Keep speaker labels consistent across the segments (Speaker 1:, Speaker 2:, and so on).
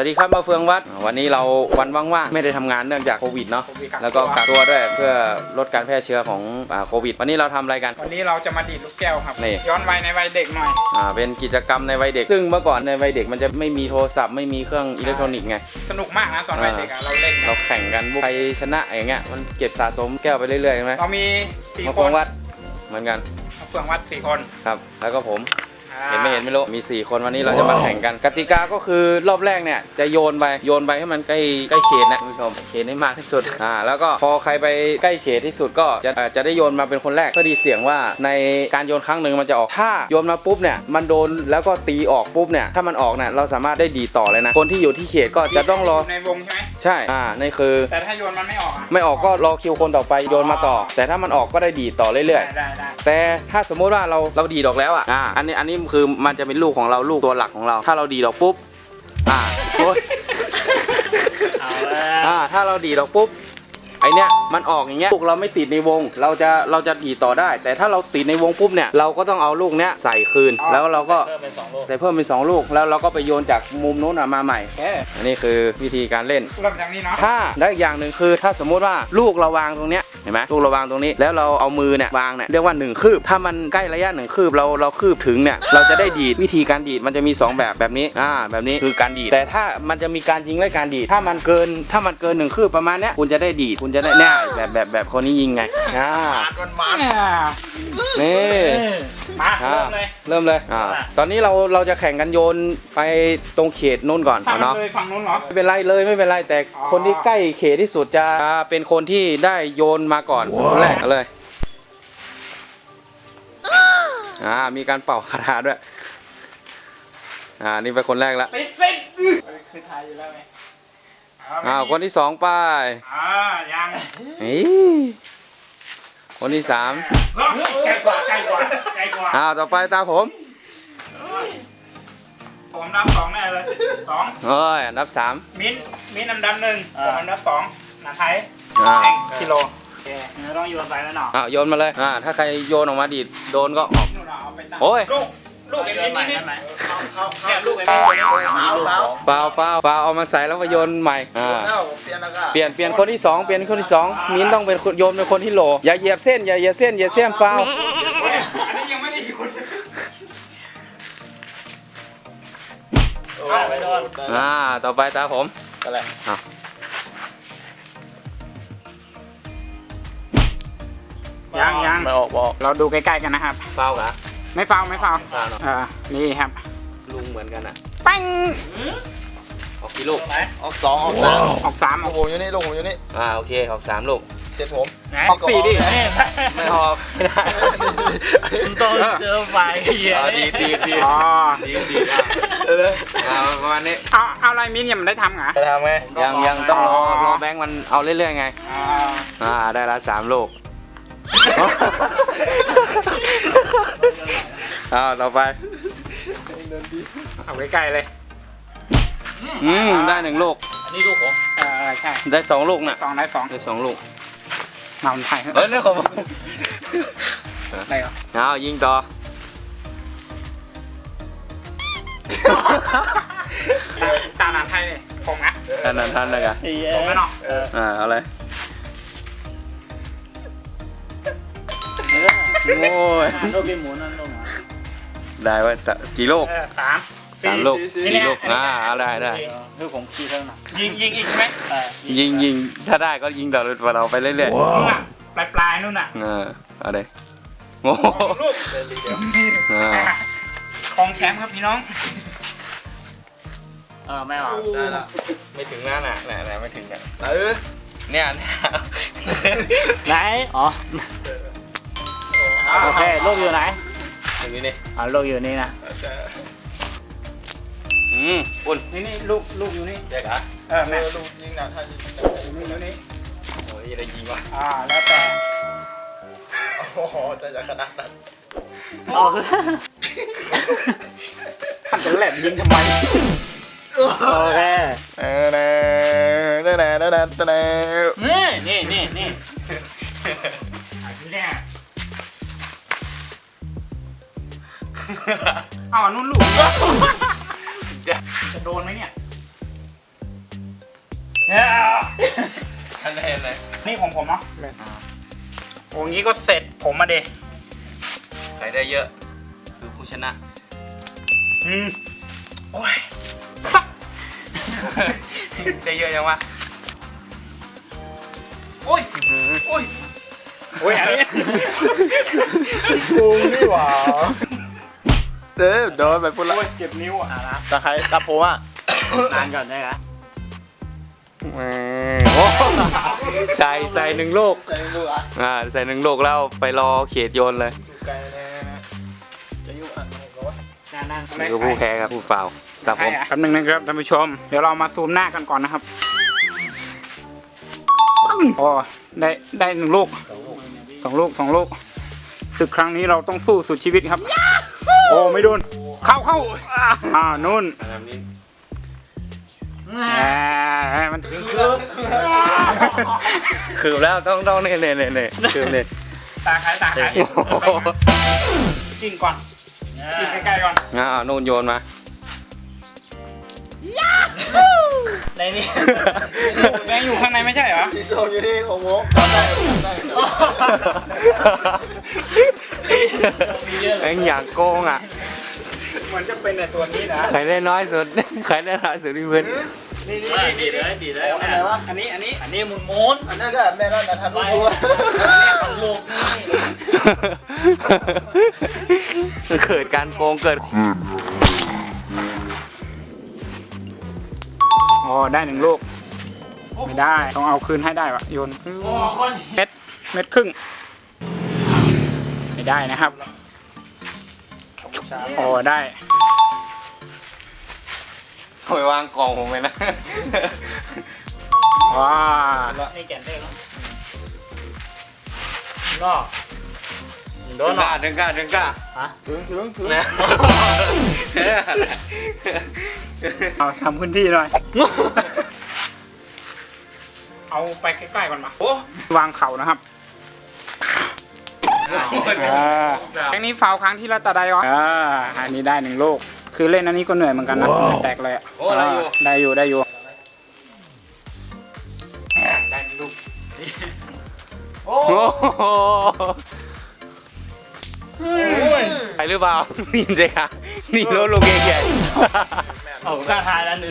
Speaker 1: ดีครับมาเฟืองวัดวันนี้เราวันว่างๆไม่ได้ทำงานเนื่องจากโควิดเนาะแล้วก็กักตัวด้วยเพื่อลดการแพร่เชื้อของโควิดวันนี้เราทำอะไรกัน
Speaker 2: วันนี้เราจะมาดีดลูกแก้วครับ
Speaker 1: นี่
Speaker 2: ย้อนวัยในวัยเด็กหน่อย
Speaker 1: เป็นกิจกรรมในวัยเด็กซึ่งเมื่อก่อนในวัยเด็กมันจะไม่มีโทรศัพท์ไม่มีเครื่องอิเล็กทรอนิกส์ไง
Speaker 2: สนุกมากนะตอนวัยเด็กเราเล่น
Speaker 1: เราแข่งกันใครชนะอย่างเงี้ยมันเก็บสะสมแก้วไปเรื่อยๆใช่ไหม
Speaker 2: เรามี4
Speaker 1: มา
Speaker 2: ค
Speaker 1: เฟือง
Speaker 2: น
Speaker 1: วัดเหมือนกัน
Speaker 2: มาเฟืองวัด4 คน
Speaker 1: ครับแล้วก็ผมเห็นไม่รู้มี4คนวันนี้เราจะมาแข่งกันกติกาก็คือรอบแรกเนี่ยจะโยนไปให้มันใกล้เขตนะคุณผู้ชมเขตให้มากที่สุดแล้วก็พอใครไปใกล้เขตที่สุดก็จะได้โยนมาเป็นคนแรกเพื่อดีเสียงว่าในการโยนครั้งหนึ่งมันจะออกถ้าโยนมาปุ๊บเนี่ยมันโดนแล้วก็ตีออกปุ๊บเนี่ยถ้ามันออกเนี่ยเราสามารถได้ดีต่อเลยนะคนที่อยู่ที่เขตก็จะต้องรอ
Speaker 2: ในวงใช่ไหม
Speaker 1: ใช่นี่คือ
Speaker 2: แต่ถ้าโยนมันไม่ออก
Speaker 1: ก็รอคิวคนต่อไปโยนมาต่อแต่ถ้ามันออกก็ได้ดีต่อเรื่อยๆแต่ถ้าสมมติว่าเราดีดอกแล้วอันนี้คือมันจะเป็นลูกของเราลูกตัวหลักของเราถ้าเราดีดอกปุ๊บโอ๊ยถ้าเราดีดอกปุ๊บไอเนี้ยมันออกอย่างเงี้ยลูกเราไม่ติดในวงเราจะดีต่อได้แต่ถ้าเราติดในวงปุ๊บเนี่ยเราก็ต้องเอาลูกเนี้ยใส่คืนแล้วเราก็เพิ่มเป็น2 ลูกแล้วเราก็ไปโยนจากมุมโน้นมาใหม่อันนี้คือวิธีการเล่น
Speaker 2: เริ่มจากนี้เนาะ
Speaker 1: ถ้าได้อย่างหนึ่งคือถ้าสมมุติว่าลูกเราวางตรงเนี้ยเห็นไหมลูกเราวางตรงนี้แล้วเราเอามือเนี่ยวางเนี่ยเรียกว่า1 คืบถ้ามันใกล้ระยะ1 คืบเราคืบถึงเนี่ยเราจะได้ดีดวิธีการดีดมันจะมี2แบบนี้แบบนี้คือการดีดแต่ถ้ามันจะมีการยิงและการดีดถ้ามันเกิน1 คืบประมาณเนี้ยคุณจะได้ดีดคุณจะได้เนี่ยแบบคนนี้ยิงไงนี่
Speaker 2: มาเริ่มเลย
Speaker 1: ตอนนี้เราจะแข่งกันโยนไปตรงเขตนู้นก่อนเนาะ
Speaker 2: ฝั่งนู้นเหรอ
Speaker 1: ไม่เป็นไรแต่คนที่ใกล้เขตที่สุดจะเป็นคนที่ได้โยนมาก่อนคนแรกเลยมีการเป่าคาถาด้วยนี่เป็นคนแรกแล้ว
Speaker 2: คือไทยอยู่แล้วไหม
Speaker 1: คนที่2ไป
Speaker 2: ยัง
Speaker 1: คนที่3
Speaker 2: ใกล้กว่า
Speaker 1: ต่อไปตาผม
Speaker 2: นับ2แน่เลย2
Speaker 1: นับ3
Speaker 2: มิ้นอันดับ1ผมอันดับ2นาไทยกิโลต้องโยนไปแล้วเนาะ
Speaker 1: โยนมาเลยถ้าใครโยนออกมาดีดโดนก็ออกโอ้ย
Speaker 2: ลูกเอ็มนี่เนี่ยลูกเอ็มนี่
Speaker 1: เปล่าเอามาใส่แล้วมาโยนใหม่เปลี่ยนคนที่2เปลี่ยนคนที่2มิ้นต้องเป็นโยนเป็นคนที่โหลอย่าเหยียบเส้นฟาว
Speaker 2: อันนี้ยังไม่ได้โยนไปโดน
Speaker 1: ต่อไปตาผม
Speaker 3: อะไร
Speaker 2: ยัง
Speaker 1: ไม่ออก
Speaker 2: เราดูใกล้ๆกันนะครับ
Speaker 1: ฟาวเหรอ
Speaker 2: ไม่ฟาวนี่ครับ
Speaker 1: ลุงเหมือนกัน
Speaker 2: ปั้ง
Speaker 1: ออกกี่ลูก
Speaker 3: ออก2ออก
Speaker 2: 3
Speaker 3: ลูกผมอยู่นี่
Speaker 1: โอเคออก3 ลูก
Speaker 3: เสร็จผม
Speaker 2: ออก4ดิ
Speaker 1: ไม่ออกไม่ได้
Speaker 2: ต้องเจอไฟดี
Speaker 1: ประมาณนี้
Speaker 2: เอาอะไรมิ้นยังไม่ได้ทำเหรอ
Speaker 3: จะทำไง
Speaker 1: ยังต้องรอแบงค์มันเอาเรื่อยๆไงได้ละ3 ลูกต่อไป
Speaker 2: เอาใกล้ๆเลย
Speaker 1: ได้1 ลูก
Speaker 2: อันนี้ลูกผมใช่
Speaker 1: ได้2 ลูกน่ะ
Speaker 2: ได้
Speaker 1: 2 ลูก
Speaker 2: มาไทย
Speaker 1: เรื่องของผม
Speaker 2: ได้เหรอ
Speaker 1: ยิงต่อ
Speaker 2: ตาหนาไทยเลยผมนะ
Speaker 1: ท่านเลยกัน
Speaker 2: ผมไม่หรอก
Speaker 1: เอาเลยโอ้ย
Speaker 2: ลูกเป็นหมูนั่นลูก
Speaker 1: ได้ว่ากี่ลูก3 ลูก4 ลูกได้
Speaker 2: ลูกผมขี้เท่านั้นยิงอีกไหม
Speaker 1: ยิงถ้าได้ก็ยิงต่อเราไปเรื่อย
Speaker 2: ๆปลายนู่นน่ะ
Speaker 1: เอาเลยโอ้
Speaker 2: ลูกของแชมป์ครับพี่น้องไม่ออก
Speaker 3: ได้ละ
Speaker 1: ไม่ถึงนั่นน่ะไม่ถึงกันเนี่ย
Speaker 2: ไหนโอเคลูกอยู่ไหน
Speaker 1: อยู่นี่
Speaker 2: ลูกอยู่นี่นะ
Speaker 1: อุ่น
Speaker 2: นี่ลูกอยู่นี่
Speaker 1: เด็กเหรอ
Speaker 3: แม่ลูกยิงนะถ้า
Speaker 2: อยู่นี่
Speaker 1: โอ้ยอะไรยิงวะ
Speaker 2: แล้วแต่
Speaker 3: จะขนาดนั้น
Speaker 2: ท่านจะแหลมยิงทำไมโอเคนี่เอานุ่นลูกจะโดนไหมเนี่ย
Speaker 1: คะแนนเลย
Speaker 2: นี่ของผมเนาะโอ้งี้ก็เสร็จผมมาเด
Speaker 1: ใครได้เยอะคือผู้ชนะ
Speaker 2: โอ้ย
Speaker 1: ได้เยอะยังวะ
Speaker 2: โอ้ยโอ้ยโอ้ยอันนี้โกงนี่หว่า
Speaker 3: โดนไปพูดละ
Speaker 2: โอ้ยเจ็บนิ้วอ่ะนะ
Speaker 3: ตะไคร้ตะโพอ่ะ
Speaker 2: นานก่อนได้ไหม
Speaker 1: ใส่หนึ่งลูก
Speaker 3: ใส่ดูอ่ะ
Speaker 1: ใส่หนึ่งลูกแล้วไปรอเขตโยนเลย
Speaker 3: ดูไกลนะจะยุ่งอ่ะก็ว่า
Speaker 2: นั่ง
Speaker 1: นี่ก็ผู้แพ้ครับผู้ฟาวตามผม
Speaker 2: แป๊บนึงนะครับท่านผู้ชม เดี๋ยวเรามาซูมหน้ากันก่อนนะครับโอ้ได้1 ลูก2 ลูกศึกครั้งนี้เราต้องสู้สุดชีวิตครับ โอ้ไม่โดนเข้านู่นมันถึง
Speaker 1: คือแล้วต้องเนี่ยคือเนี่ย
Speaker 2: ตาขายจิ้งก่อนจิ้งใกล้ๆก่อน
Speaker 1: นู่นโยนมา
Speaker 2: ในนี้แบงค์อยู่ข้างในไม่ใช่เหรอ
Speaker 3: ที่โซนอยู่นี่ของผมจำได้
Speaker 1: แม่งอยากโกงอ่ะ
Speaker 2: มันจะเป็นในตัวนี้นะ
Speaker 1: ใครได้น้อยสุดใครได้น้อยสุดพี่เพื่อน
Speaker 3: นี่
Speaker 2: ดีเลย
Speaker 3: อะไรวะ
Speaker 2: อันนี้หมุน
Speaker 3: อันนั้นก็แม่นั่นนะทันรู้
Speaker 2: ของลูกนี่
Speaker 1: เกิดการโกงเกิด
Speaker 2: อ๋อได้1 ลูกไม่ได้ต้องเอาคืนให้ได้วะโยนเม็ดครึ่งไม่ได้นะครับอ๋อได้
Speaker 1: เอาไปวางกล่องผมเลยนะ
Speaker 2: ว้า
Speaker 4: นี่แก่นได้แล้วนอก
Speaker 1: โดนดึงก้า
Speaker 4: ฮะ
Speaker 3: ถึง
Speaker 1: นะ
Speaker 2: เอาทำพื้นที่หน่อย เอาไปใกล้ๆก่อนมาวางเข่านะครับอันนี้ฟาวครั้งที่ละตาได้วะอันนี้ได้1 ลูกคือเล่นอันนี้ก็เหนื่อยเหมือนกันนะแตกเลยอ่ะได้อยู่ได้1 ลูก
Speaker 3: โอ้
Speaker 1: โอ้โหไปหรือเปล่านี่ใช่ค่ะนี่รถลูกเก่ง
Speaker 4: เอาข้าทายแล้วหนึ่ง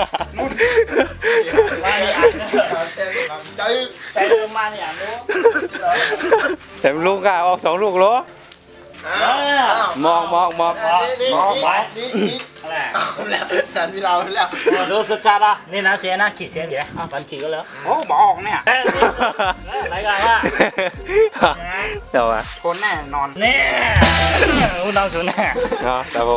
Speaker 3: ไม่อ่านใจ
Speaker 4: ใส่เริ่มมาเนี่ยรู้
Speaker 1: แต่ลูกอ่ะออก2 ลูกเหรอมอง
Speaker 3: นี่
Speaker 4: อะไร
Speaker 3: เอาแล้วแทนพี่เราแล้ว
Speaker 4: ดูสจาระนี่นะเสียนะขีดเสียเดี๋ยวฝันขีดก็แล้ว
Speaker 2: โอ้บอกเนี่ย
Speaker 4: รายการว่า
Speaker 1: เดี๋ยววะ
Speaker 2: ชนแน่นอน
Speaker 4: นี่อุณหภูมิแน่
Speaker 1: แต่ผม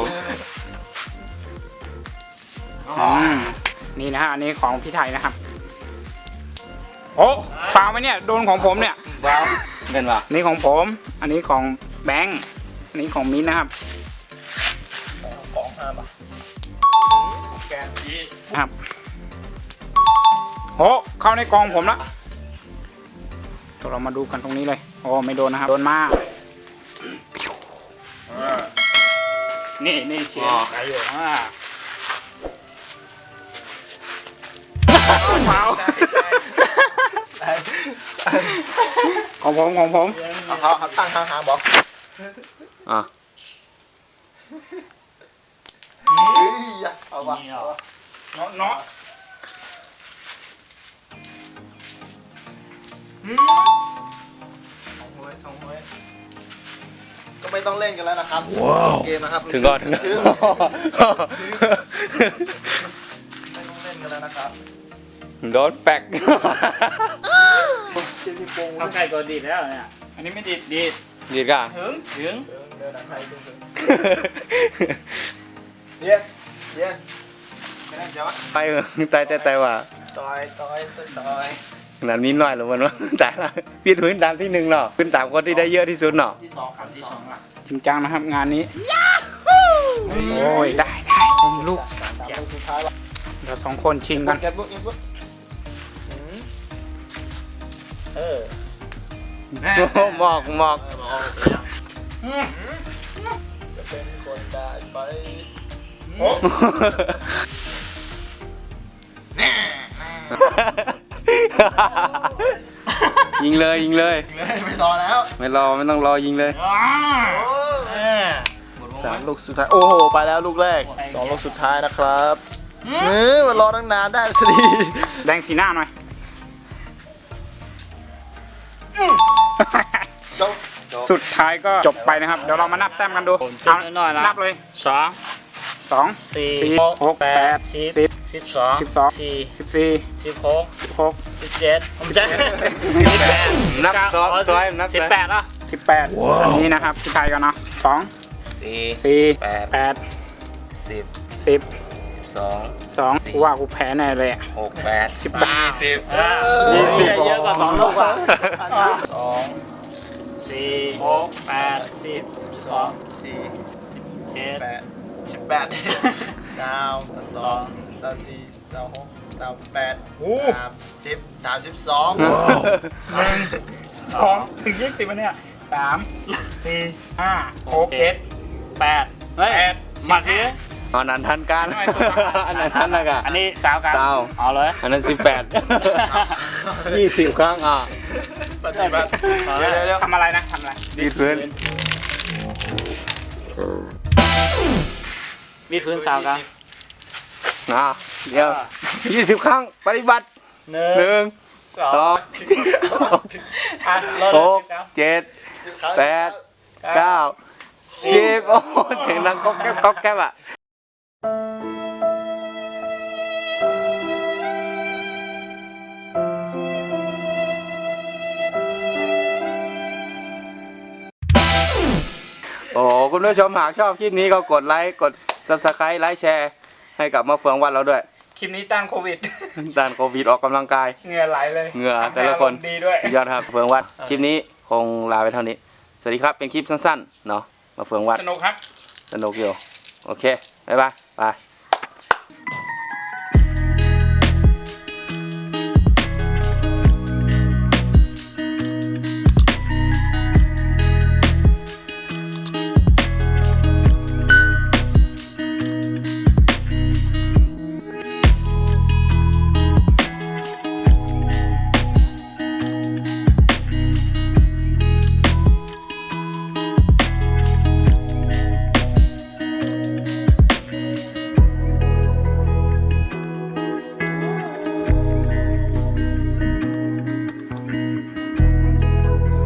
Speaker 2: นี่นะฮะอันนี้ของพี่ไทยนะครับโอ้ฟาวไหมเนี่ยโดนของผมเนี่ย
Speaker 1: ว้าวเป็นวะ
Speaker 2: นี่ของผม อันนี้ของแบงค์อันนี้ของมิ้นนะครับ
Speaker 3: ของ5 บาทแกน
Speaker 2: ครับโอ้เข้าในกองผมละเรามาดูกันตรงนี้เลยโอ้ไม่โดนนะครับโดนมากนี่เชียร์ไปอยู่เมาของผม
Speaker 3: เขาตั้งห่างๆบอก
Speaker 1: อ่ะ
Speaker 3: เอาวะ
Speaker 2: เนาะ
Speaker 3: 2 หวยก็ไม่ต้องเล่นกันแล้วนะครับเกมนะครับ
Speaker 1: ถึงก่อน
Speaker 3: ไม่ต้องเล่นกันแล้วนะครับ
Speaker 1: โดนแปก
Speaker 4: เข้าใกล้ก็ดีแล้วเนี่ย
Speaker 2: อันนี้ไม่ดี
Speaker 1: ดีก่ะ
Speaker 4: ถึง
Speaker 3: เดินหนังไทยถึง yes ไม่ได้จ้ะ
Speaker 1: ไปตายว่ะ
Speaker 3: ต่อย
Speaker 1: ขนาดนี้น้อยหรือมันวะแต่ละพี่พื้นตามที่1เนาะขึ้นตามคนที่ได้เยอะที่สุดเนาะ
Speaker 3: ที่2ครับที่2
Speaker 4: อ่ะ
Speaker 2: จริงจังนะครับงานนี้โอ้ยได้ลูก
Speaker 3: สุดท้ายละ
Speaker 2: เดี๋ยว2 คนชิงกัน
Speaker 3: เก็บลูก
Speaker 1: หมอก
Speaker 3: จะเป็นคนได้ไป
Speaker 2: โอ้
Speaker 1: ยิงเลยยิงเลย
Speaker 3: ไม่รอแล้ว
Speaker 1: ไม่ต้องรอยิงเลย
Speaker 3: สามลูกสุดท้าย โอ้โห ไปแล้วลูกแรกสองลูกสุดท้ายนะครับมันรอตั้งนานได้สิ
Speaker 2: แดงสีหน้าหน่อย
Speaker 3: จบ
Speaker 2: สุดท้ายก็จบไปนะครับ เดี๋ยวเรามานับแต้มกันดู
Speaker 4: จบหน่อยนะ
Speaker 2: นับเลย
Speaker 4: สอง
Speaker 2: 2
Speaker 4: สี่
Speaker 2: 4 6 8
Speaker 4: 10
Speaker 2: 10
Speaker 4: 12
Speaker 2: 12
Speaker 4: สี่
Speaker 2: 14
Speaker 4: 16
Speaker 2: 16
Speaker 4: 17ผมจะ18
Speaker 1: นับตัวให้นับ
Speaker 4: 18อ่ะ
Speaker 2: 18อันนี้นะครับสุดท้ายกันเนาะ2 4 8
Speaker 1: 10
Speaker 2: 10 2กูว่ากูแพ้แน่เลยอะ
Speaker 1: 6 8
Speaker 2: 18
Speaker 4: 20เยอะกว่า2ลูกอ่ะ
Speaker 3: สอง
Speaker 4: 4 6 8 10 12
Speaker 3: สี่
Speaker 4: 17
Speaker 3: แปด18สามสองสามสี่สามหกสามแปด32
Speaker 2: 2ถึง20วันเนี่ย3 4 5 6 7
Speaker 4: 8เฮ้ยมาที
Speaker 1: อันนั้นทันการอันนั้นทันนะกะ
Speaker 4: อันนี้สาวกัน
Speaker 1: สาว
Speaker 4: เอาเลย
Speaker 1: อันนั้น18 20 ครั้ง
Speaker 3: ปฏิบัติเดี๋ยว
Speaker 2: ทำอะไรนะทำอะไร
Speaker 1: ดีพื้น
Speaker 4: มีพื้นสาวกัน
Speaker 1: เดี๋ยว20 ครั้งปฏิบัติ
Speaker 4: หนึ่ง
Speaker 1: 1 2
Speaker 4: อ่ะรอ
Speaker 1: 6 7 8 9 10 โอ้โหเสียงดังก๊อกแก๊บก๊อกแก๊บอ่ะโอ้โหคุณผู้ชมหากชอบคลิปนี้ก็กดไลค์กด Subscribe ไลค์แชร์ให้กับมะเฟืองวัดเราด้วย
Speaker 2: คลิปนี้ต้านโควิด
Speaker 1: ด้านโควิดออกกำลังกาย
Speaker 2: เหงื่อไหลเลย
Speaker 1: เหงื่อแต่ละคน
Speaker 2: ทำให้อารมณ์ดีด้วย
Speaker 1: สุดยอดครับเฟืองวัดคลิปนี้คงลาไปเท่านี้ สวัสดีครับเป็นคลิปสั้นๆเนาะมาเฟืองวัด
Speaker 2: สนุกครับ
Speaker 1: สนุกอยู่โอเคบ๊ายบายบาย